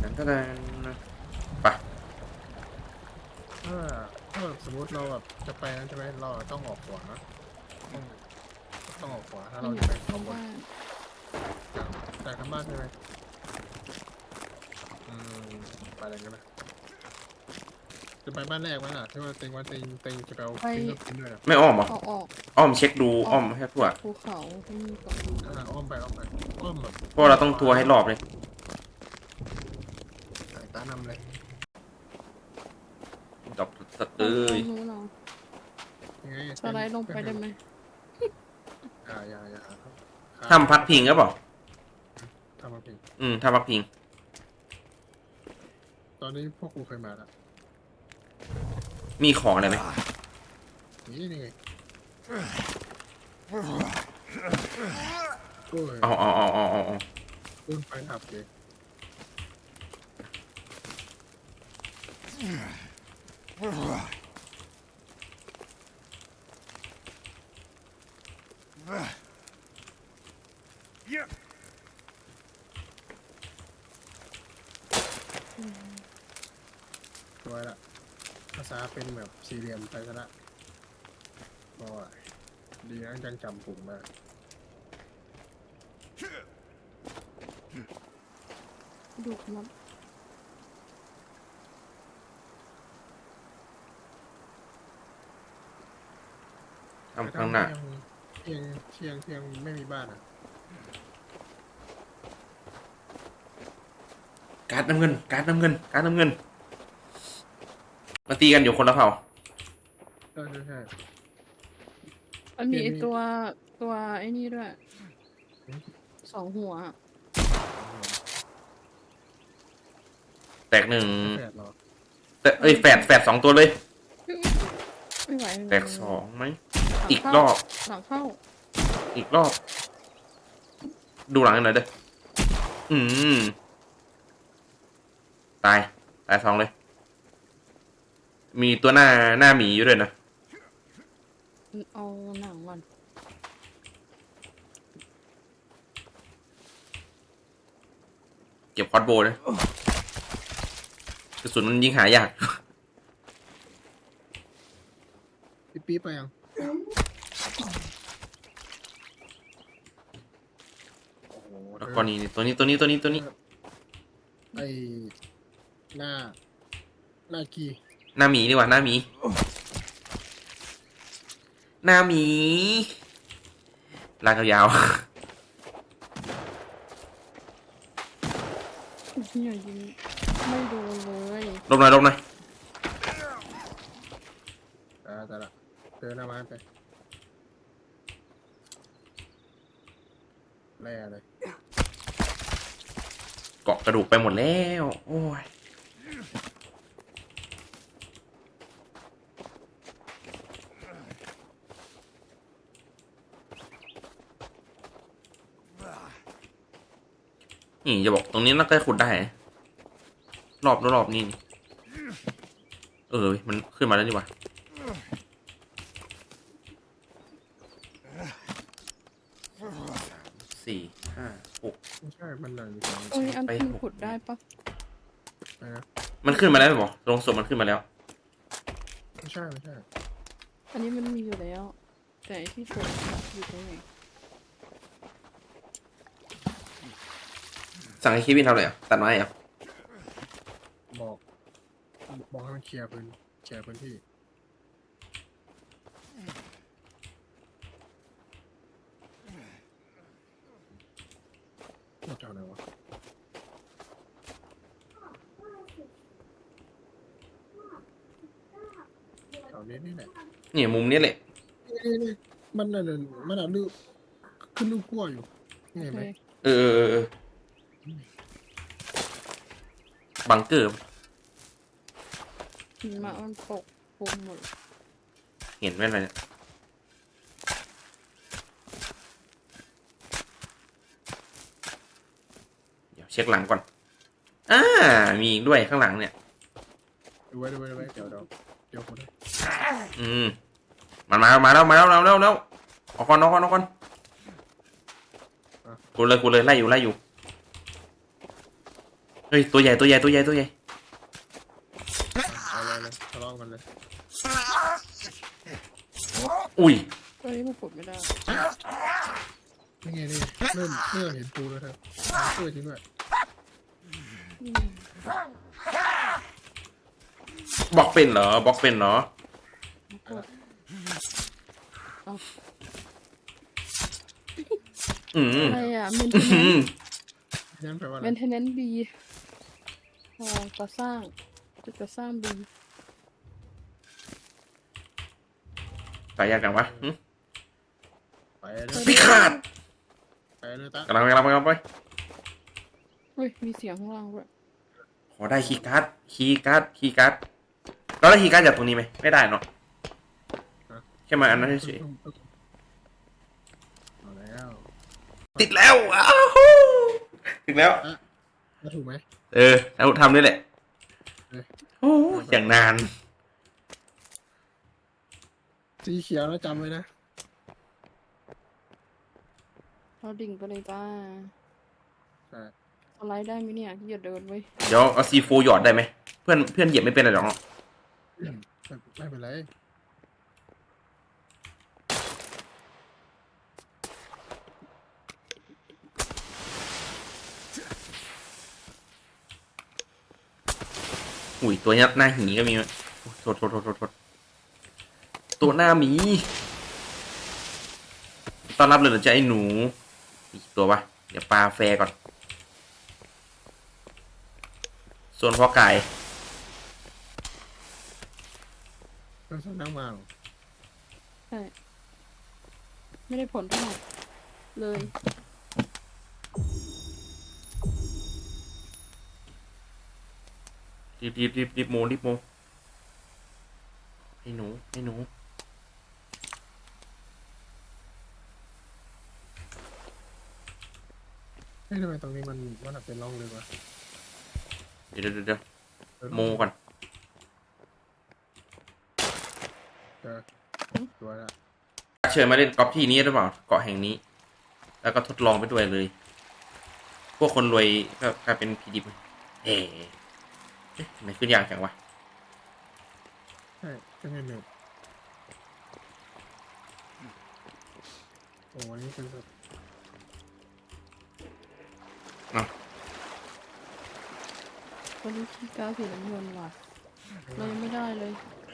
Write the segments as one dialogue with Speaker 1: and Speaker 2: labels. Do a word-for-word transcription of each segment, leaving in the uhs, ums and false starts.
Speaker 1: นั้นก็ได้ปะ
Speaker 2: ถ้าถ้าแบบสมมติเราแบบจะไปนั้นใช่ไหมเราต้องออกขวาต้องต้องออกขวาถ้าเราจะไป
Speaker 3: เข้า
Speaker 2: ข้างบน
Speaker 3: บ้าน
Speaker 2: จากจากทางบ้านใช่ไหมอืมไปอะไรกันนะจะไปบ้านแรกไหมล่ะที่ว่าเต็งว่าเต็งเต็งจะไปเอาฟิงเกอร์พิ้นด้วยนะ
Speaker 1: ไม่อ้อมเหรอ
Speaker 3: เอาออก
Speaker 1: อ้อมเช็คดูอ้อมให้ทั่ว
Speaker 3: ภูเขาที่นี่ก่อน
Speaker 2: อ่าอ้อมไปอ้อมไปอ้อมแบบ
Speaker 1: เพราะเราต้องทัวร์ให้รอบเลย
Speaker 2: สายตานำเลย
Speaker 1: ดอกสะเอ้ย
Speaker 3: รู้เรา
Speaker 2: ยังไง
Speaker 3: สไลด์ลงไปได้ไหม
Speaker 2: อ่าอย่าอย่า
Speaker 1: ทำพักพิงก็เปล่า
Speaker 2: ทำพักพิง
Speaker 1: อืมทำพักพิง
Speaker 2: ตอนนี้พวกกูเคยมาแล้ว
Speaker 1: มีของอะไรไหม
Speaker 2: นี่นี่ไงโอ้ย
Speaker 1: เอาเอาเอาเอาเอาเอา
Speaker 2: รุ่นไฟอัพเกสวยละภาษาเป็นแบบสี่เหลี่ยมไทยชนะโอ้ยดีนะยังจำปุ่มมา
Speaker 3: ดุมัด
Speaker 1: ทำข้างหน้า
Speaker 2: เที่ยงเที่ยงเที่ยงไม่มีบ้านอ่ะ
Speaker 1: การ์ดน้ำเงิน การ์ดน้ำเงิน การ์ดน้ำเงิน มาตีกันอยู่คนละเผ่า
Speaker 2: ใช่ใช่ใช่
Speaker 3: มันมี
Speaker 2: เกมนี้
Speaker 3: ไอตัวตัวไอ้นี่ด้วยสองหัว
Speaker 1: แตกหนึ่ง
Speaker 2: แปดหรอ
Speaker 1: แต่เอ้ยแฝดแฝดสองตัวเลย
Speaker 3: ไม่ไหว
Speaker 1: แตกสองไหม
Speaker 3: หลัง
Speaker 1: อีก
Speaker 3: เข้าร
Speaker 1: อบ
Speaker 3: หลังเข้า
Speaker 1: อีกรอบ ดูหลังกันหน่อยเด้ออืม ตาย ตายสองเลย มีตัวหน้าหน้าหมีอยู่ด้วยนะ
Speaker 3: เอาหนังก่อน
Speaker 1: เก็บคอร์สโบว์เลยกระสุนมันยิงหายาก
Speaker 2: พี่ปี๊บไปยังโอ้โห
Speaker 1: แล้วก็นี่ตัวนี้ตัวนี้ตัวนี้ตัวนี้
Speaker 2: ไอหน้าหน้ากี
Speaker 1: หน้าหมีดีกว่าหน้าหมี หน้าหมีลากยาว
Speaker 3: เนี่ยยิงไม่โดนเลย
Speaker 1: ๆลบหน่อยลบหน่อย
Speaker 2: อ่าแต่ละเดินหน้ามาไปแร่เลย
Speaker 1: เกาะกระดูกไปหมดแล้ว โอ้ยนี่จะบอกตรงนี้น่าจะขุดได้ รอบรอบนี้นี่เออมันขึ้นมาแล้วดีกว่าสี่ห้าหก
Speaker 2: ไม่ใช่มันหนังอยู่ตรง
Speaker 3: ตรงนี้อัน
Speaker 1: ไป
Speaker 3: พิมขุดได้ปะ
Speaker 2: ไหนนะ
Speaker 1: มันขึ้นมาแล้วไหมบอกลงศพมันขึ้นมาแล้ว
Speaker 2: ไม่ใช่ไม่ใช่
Speaker 3: อันนี้มันมีอยู่แล้ว แต่ไอ้ที่ขุดอยู่ตรงไหน
Speaker 1: สั่งให้คิดวินทำอะไรอ่ะตัดไม้เหรอ่ะ
Speaker 2: บอกบอกให้มันเคลียร์พื้นเคลียร์พื้นที่เราจะเอาไหนวะเอานี้นี่แหละ
Speaker 1: เนี่ยมุมนี้แหละ
Speaker 2: นี่นี่มันน่ะมันอ่ะรูปขึ้นรูปขั้วอยู่นี่
Speaker 3: โอ
Speaker 2: เห็นไห
Speaker 3: เค
Speaker 2: ม
Speaker 1: เออเออเออเออบังเกอร์
Speaker 3: หิมะมันปกคลุมหมด
Speaker 1: เห็นไหมอะไรเนี่ยเดี๋ยวเช็คหลังก่อนอ่ามีอีกด้วยข้างหลังเนี่ย
Speaker 2: ดูไว้ดูไว้ดูไว้เดี๋ยวเดี๋ยวเดี๋ยวคนให้
Speaker 1: อืมมันมามาแล้วมาแล้วแล้วแล้วแล้วออกก่อนออกก่อนออกก่อนกูเลยกูเลยไล่อยู่ไล่อยู่ เฮ้ยตัวใหญ่ตัวใหญ่ตัวใหญ่ตัวใหญ่
Speaker 2: เอาเลยเลยทะเลาะกันเลย
Speaker 1: อุ้ย
Speaker 3: ตัวนี้มันขุดไม่ได้
Speaker 2: นี่ไงนี่เริ่มเริ่มเห็นปูแล้วครับช่วยจริงด้วย
Speaker 3: อืม
Speaker 1: บล็อกเป็นเหรอบล็อกเป็นเหรอ
Speaker 3: ขุดเอา
Speaker 1: อืม
Speaker 3: อะไรอ่ะ
Speaker 1: อื้อหือ
Speaker 2: นั่นแปลว่าอะไร
Speaker 3: maintenance B พอก่อสร้างจุดก่อสร้าง B
Speaker 1: สายยากจังวะหึ
Speaker 2: ไปเลย
Speaker 1: พิขาด
Speaker 2: ไปเลยตาก
Speaker 1: ำลังกำลังกำลังไป
Speaker 3: เฮ้ย มีเสียงข้างล่างด้วย
Speaker 1: ขอได้คีย์การ์ดคีย์การ์ดคีย์การ์ดเราได้คีย์การ์ดจากตรงนี้ไหมไม่ได้เนาะแค่มาอันนั้นเฉย
Speaker 2: เอาแล้ว
Speaker 1: ๆติดแล้วอ้าวฮู้ถึงแล้ว
Speaker 2: แล้วถูกไหม
Speaker 1: เออแล้วทำด้วยแหละโอ้อย่างนาน
Speaker 2: สีเขียวแล้วจำไว้นะ
Speaker 3: เราดิ่งไปเลยจ้า
Speaker 2: ใช่
Speaker 3: สไลด์ได้ไหมเนี่ยที่จะเดินไว้ย
Speaker 1: เดี๋ยวเอาซีโฟหยอดได้ไหมเพื่อนเพื่อนเหยียบไม่เป็นอะไรหรอก
Speaker 2: ไม่ไม่เป็นไร
Speaker 1: อุ้ยตัวเนี้ยหน้าหีก็มีมั้ยโทษโทษโทษโทษโทษตัวหน้าหมีต้อนรับเลยเหรอจ๊ะไอ้หนูอีกตัววะเดี๋ยวปลาแฟร์ก่อนส่วนพ่อกาย
Speaker 2: ต้องสนั่งมาหรอ
Speaker 3: ใช่ไม่ได้ผลเท่าไหร่เลย
Speaker 1: รีบรีบรีบรีบโมรีบโมให้หนูให้หนู
Speaker 2: เฮ้ยทำไมตรงนี้มันมันเป็นร่องเลยวะ
Speaker 1: เดี๋ยวเดี๋ยวเดี๋ยวโมก่อน
Speaker 2: เจอตัวละ
Speaker 1: เชิญมาเล่นกอล์ฟที่นี้หรือเปล่าเกาะแห่งนี้ แล้วก็ทดลองไปด้วยเลย พวกคนรวยก็กลายเป็นพีดิบเอ๊ะเอ๊ะทำไมขึ้นยากจังวะ
Speaker 2: ใช่เป็นเงินหนึ่งโอ้วันนี้เป็นแบบ
Speaker 3: ตัวนี้คีย์การ์ดสีน้ำเงินว่ะเรายังไม่ได้เลย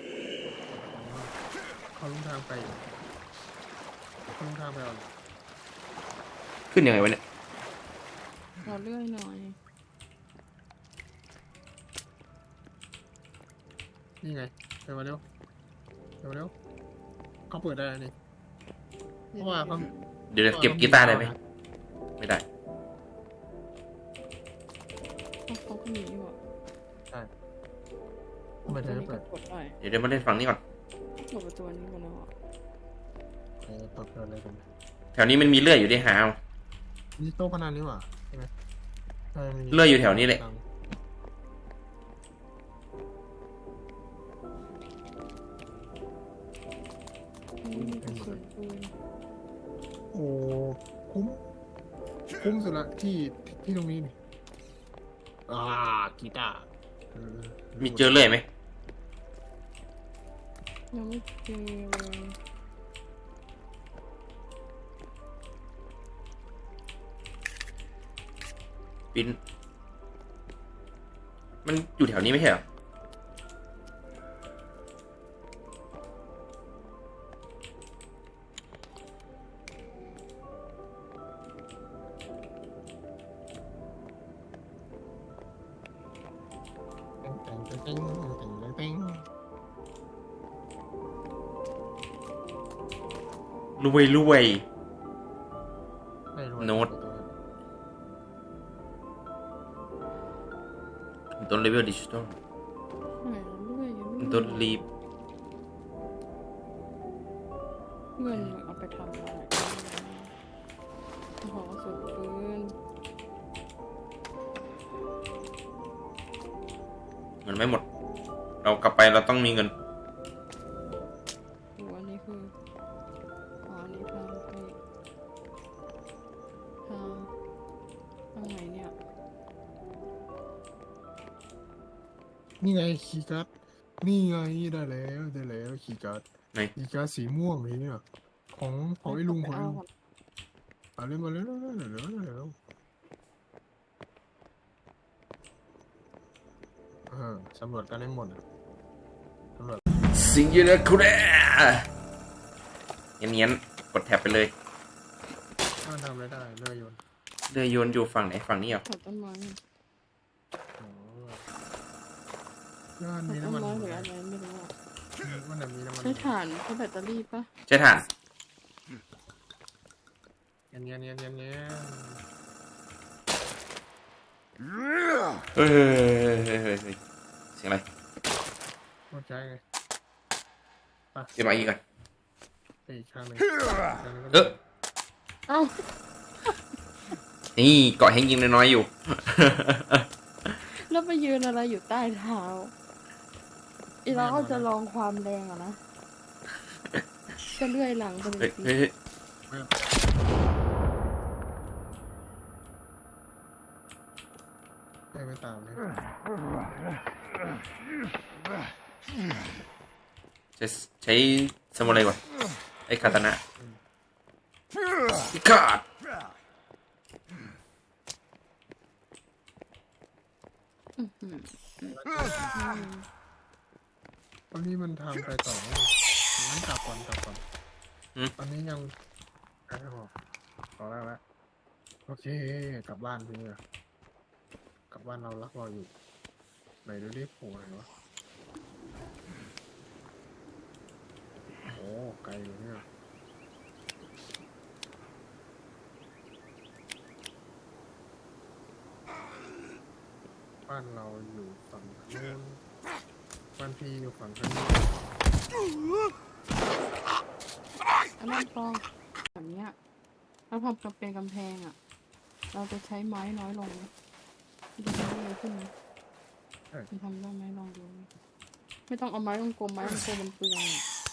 Speaker 2: เขาลุงทางไปเขาลุงทางไปเอา
Speaker 1: ขึ้นยังไงวะเนี่ย
Speaker 3: ขอเลื่อยหน่อย
Speaker 2: นี่ไงเร็วมาเร็วเร็วมาเร็วเขาเปิดได้แล้วนี่เพราะว่าเขา
Speaker 1: เดี๋ยวเก็บกีตาร์ได้ไหมไม่ได้
Speaker 3: เขาก็มีนี่หว่า
Speaker 2: ทำไม
Speaker 3: ตั
Speaker 2: เธ
Speaker 3: ว
Speaker 2: อ
Speaker 3: นี้
Speaker 2: เปิ
Speaker 3: ก็
Speaker 2: ด
Speaker 3: กดได้
Speaker 1: เดี๋ยวเดี๋ยวมาเล่นฝั่งนี้ก่อน
Speaker 3: กดประตูนี้มาแล้วอะ
Speaker 2: เออเปิดเปิดอะไรกัน
Speaker 1: แถวนี้มันมีเลื่อยอยู่ด้วยหาเอา
Speaker 2: นี่โต๊ะพนันนี่หว่าใช่ไหมใช่มันมี
Speaker 1: เลื่อยอยู่แถวนี้แหละ
Speaker 3: นี่มีกระสุนปืน
Speaker 2: โอ้คุ้มคุ้มสุดละที่ที่ตรงนี้นี่อ่ากีตาร์เออ
Speaker 1: มีเจอเลื่อยไหม
Speaker 3: ยังไม่เจอเลย
Speaker 1: ปิ้นมันอยู่แถวนี้ไม่ใช่เหรอ
Speaker 2: แต่งแต่งแต่งแต่งแต่งแต่ง
Speaker 1: รวยรวย
Speaker 2: ไม่รู้
Speaker 1: โน้ต ต้นเลเวลดิจิตอล
Speaker 3: ไหนเลื่อยยังไม่มี
Speaker 1: ต้นรีบ
Speaker 3: เงินเอาไปทำอะไรขอกระสุนปืน
Speaker 1: เงินไม่หมด เรากลับไปเราต้องมีเงิน
Speaker 3: หรือว่านี่คืออ๋ออันนี้ทางไปทางทางไหนเนี่ย
Speaker 2: นี่ไงคีย์การ์ดนี่ไงได้แล้วได้แล้วคีย์การ์ด
Speaker 1: ไหน
Speaker 2: คีย์การ์ดสีม่วงนี่เนี่ยของของไอ้ลุง
Speaker 3: ไป
Speaker 2: ของไอ้
Speaker 3: เอา
Speaker 2: ลุง
Speaker 3: ก่อน
Speaker 2: เอาเร็วมาเร็วเร็วเร็วเร็วเร็วเร็วเออสำรวจกันให้หมดอะสำรวจ
Speaker 1: สิงเกิลคูเรเนียนๆกดแท็บไปเลย
Speaker 2: ถ้าทำอะไรได้เลื่อยยนต์
Speaker 1: เรือโยนอยู่ฝั่งไหนฝั่งนี้เหรอ
Speaker 3: ตัดต้นไม้
Speaker 2: โอ้ยย่าน
Speaker 3: ตัด
Speaker 2: มี
Speaker 3: ต้น
Speaker 2: น้ำมัน
Speaker 3: ไม้
Speaker 2: หม
Speaker 3: ห
Speaker 2: ด
Speaker 3: รือ
Speaker 2: เล
Speaker 3: อะ
Speaker 2: ย
Speaker 3: ไรไม่รู้อะ
Speaker 2: มันจะมีน้ำมัน
Speaker 3: ใช้ถ่านใช้แบตเตอรี่ปะ
Speaker 1: ใช่ถ่าน
Speaker 2: เงี้ยเงี้ยเงี้ยเงี้ยเงี้ย
Speaker 1: เฮ้ยเฮ้ยเฮ้ยเฮ้ยเฮ้ยเสียงอะไร
Speaker 2: หมดใจไงไป
Speaker 1: เดี๋ยวมาอีกก่อน
Speaker 2: ไปอีกข้างหนึงอีกข้างหนึ่งก็
Speaker 1: เออ
Speaker 3: เอ้า
Speaker 1: นี่เกาะแห้งยิงน้อยๆอยู่
Speaker 3: แล้วไปยืนอะไรอยู่ใต้เท้าอีเราก็จะลองความแรงอะนะก็เลื่อยหลังไปเล
Speaker 1: เฮ้
Speaker 3: ย
Speaker 1: ย
Speaker 3: สิ
Speaker 1: เฮ้ยเฮ้ย
Speaker 2: ไม่ไม่ตามเลย
Speaker 1: ใช้ใช้สมุไรก่อนไอ้คาตานะพิฆาต
Speaker 3: อื้อหืออืม
Speaker 2: ตอนนี้มันทางไปต่อไม่ได้งั้นกลับก่อนกลับก่อนตอนนี้ยังใกล้ไม่พอพอแล้วละโอเคกลับบ้านพี่อะกลับบ้านเรารักเราอยู่ไหนดูดิโผล่ไหนวะโอ้ไกลอยู่เนี่ยบ้านเราอยู่ฝั่งนู้นบ้านพี่อยู่ฝั่งทางนี้
Speaker 3: อันนั้นฟองแบบเนี้ยถ้าทำกับเป็นกำแพงอะเราจะใช้ไม้น้อยลงนะมันจะทำได้เร็วขึ้นไหมมันทำได้ไหมลองดูไหมไม่ต้องเอาไม้กลมๆไม้กลมๆมันเปลืองอะ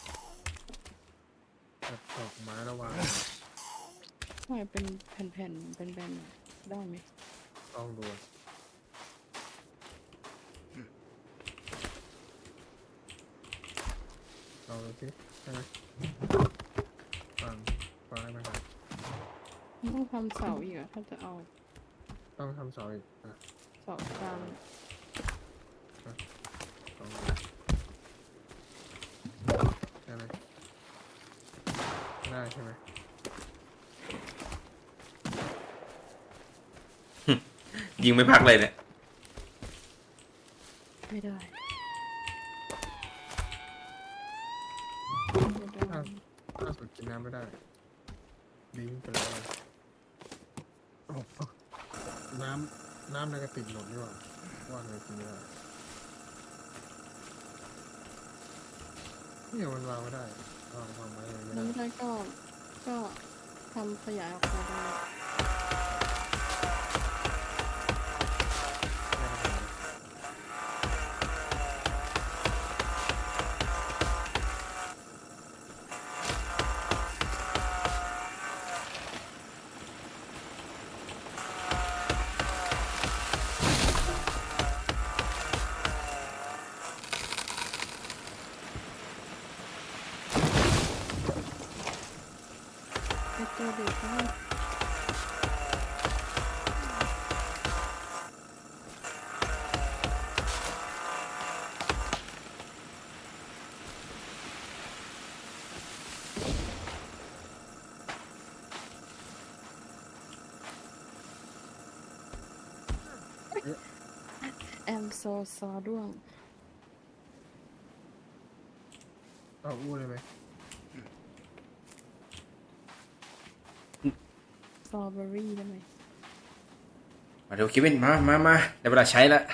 Speaker 2: แบบดอกไม้ระหว่าง
Speaker 3: ทำไมเป็นแผ่นๆเป็นแบนๆอะได้ไหม
Speaker 2: ลองดูลองดูสิใช่ไหมฟังฟังได้ไหมครับ
Speaker 3: มันต้องทำเสาอีกอะถ้าจะเอา
Speaker 2: ต้องทำเสาอีกอ่ะ
Speaker 3: เสากลาง
Speaker 2: ลองดูได้ไหมได้ใช่ไหม
Speaker 1: ยิงไม่พักเลยเนี่ย
Speaker 3: ไม่ได้ไม่ได้
Speaker 2: ถ้าถ้าสุดกินน้ำไม่ได้ดิ้งไปเลยโอ้โหน้ำน้ำในกระติกหมดดีกว่าว่าไงกินไม่ได้เนี่ยมันวางไม่ได้วางวางไว้ไม่
Speaker 3: แล้
Speaker 2: ได้
Speaker 3: วไม่ได้ก็ก็ทำขยายออกมาได้ ไอตัวเด็กนี่แอมโซซอด้วง
Speaker 2: เอาอู้เลยไหม
Speaker 3: สตรอเบอรี่ได้ไหม
Speaker 1: มาดูคิวินมามามาได้เวลาใช้ละ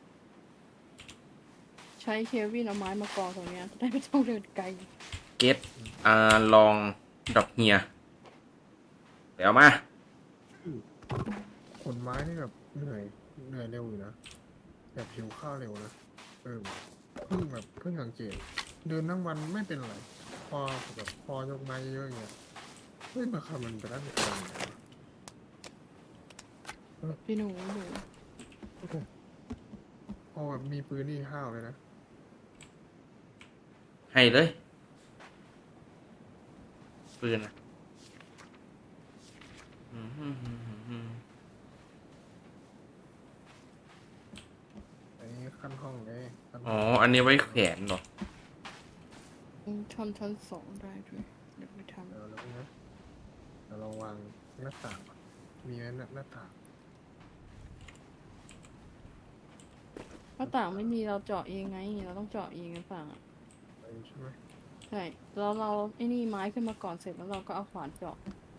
Speaker 3: ใช้เควินเอาไม้มากองตรงเนี้ยจะได้ไม่ต้องเดินไกล
Speaker 1: เกตอ่าลองดอกเฮียไปเอามา
Speaker 2: ขนไม้นี่แบบเหนื่อยเหนื่อยเร็วอยู่นะแบบหิวข้าวเร็วนะเออเพิ่งแบบเพิ่งสังเกตเดินทั้งวันไม่เป็นไรพอแบบพอยกไม้เยอะๆอย่างเงี้ยเฮ้ยมาคำมันไปได้ไม่ทัน
Speaker 3: พี่หนูหนู
Speaker 2: พอเอาแบบมีปืนนี่ห้าวเลยนะ
Speaker 1: ให้เลยปืนอะอืมอืมอืมอืม
Speaker 2: อันนี้ขั้นห้องเลยขั้นห้
Speaker 1: อ๋อ
Speaker 2: อง
Speaker 1: อันนี้ไว้แขวนเหรอ
Speaker 3: อืมทำชั้นสองได้ด้วยเดี๋ยวไปท
Speaker 2: เดี๋ยวแล้วนะเดี๋ยวเราวางหน้าต่างก่อนมีไหมหน้าหน้าต่าง
Speaker 3: ำหน้าต่างไม่มีเราเจาะเองไงเราต้องเจาะเองหน้าต่างอะ
Speaker 2: ไปใช่ไหม
Speaker 3: ใช่แล้วเราไอ้นี่ไม้ขึ้นมาก่อนเสร็จแล้วเราก็เอาขวานเจาะ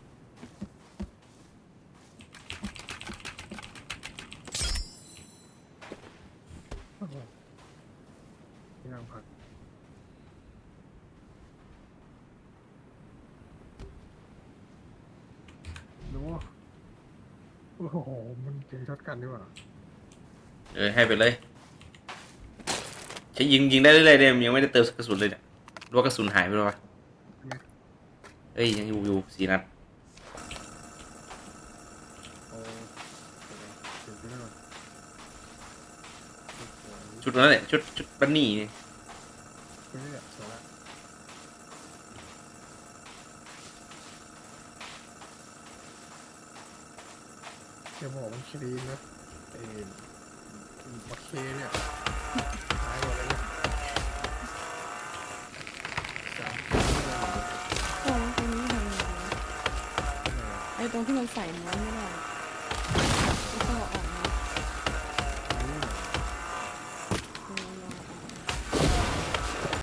Speaker 2: โอ้โหที่นั่งพักดูโอ้โหมันเก่งช็อตกันดีกว่า
Speaker 1: เออ ให้ไปเลยใช้ยิงยิงได้เรื่อยๆเนี่ยยังไม่ได้เติมกระสุนเลยเนี่ยรู้ว่ากระสุนหายไปแล้ววะเอ้ย ยังอยู่อยู่สี่นัด
Speaker 2: เอาเดี๋ยวเดี๋ยวไปก่อนโอ้โห
Speaker 1: ชุดนั้นแหละชุดชุดบันนี่นี่
Speaker 2: ตัวนี้แหละสวยละเดี๋ยวบอกมันคลีนนะไอ้บัคเคเนี่ยหายหมดเลยนะสามชิ้นเลย
Speaker 3: ตรงตรงนี้ทำยังไงวะไอ้ตรงที่มันใส่ไม้ไม่ได้อะ